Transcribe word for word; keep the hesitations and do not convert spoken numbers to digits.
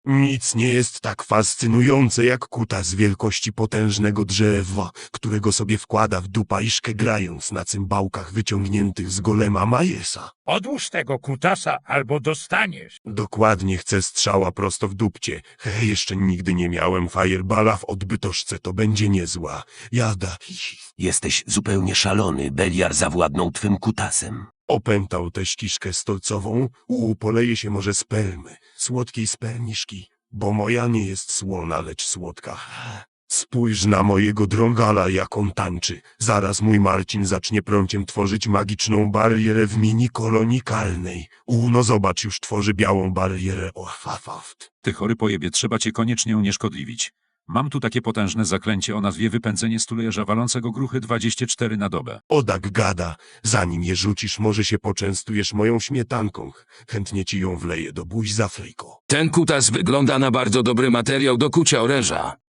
Nic nie jest tak fascynujące jak kutas wielkości potężnego drzewa, którego sobie wkłada w dupaiszkę grając na cymbałkach wyciągniętych z golema Majesa. Odłóż tego kutasa albo dostaniesz. Dokładnie chcę strzała prosto w dupcie. Hej, jeszcze nigdy nie miałem fireballa w odbytoszce, to będzie niezła. Jada. Jesteś zupełnie szalony, Beliar zawładnął twym kutasem. Opętał tę ściszkę stolcową, u poleje się może spermy, słodkiej spermiszki, bo moja nie jest słona, lecz słodka. Spójrz na mojego drągala, jak on tańczy. Zaraz mój Marcin zacznie prąciem tworzyć magiczną barierę w mini kolonikalnej. U, no zobacz, już tworzy białą barierę. O, fafaft. Ty chory pojebie, trzeba cię koniecznie unieszkodliwić. Mam tu takie potężne zaklęcie o nazwie wypędzenie stulejarza walącego gruchy dwadzieścia cztery na dobę. Odak gada, zanim je rzucisz, może się poczęstujesz moją śmietanką. Chętnie ci ją wleję do buzi z Afryko. Ten kutas wygląda na bardzo dobry materiał do kucia oręża.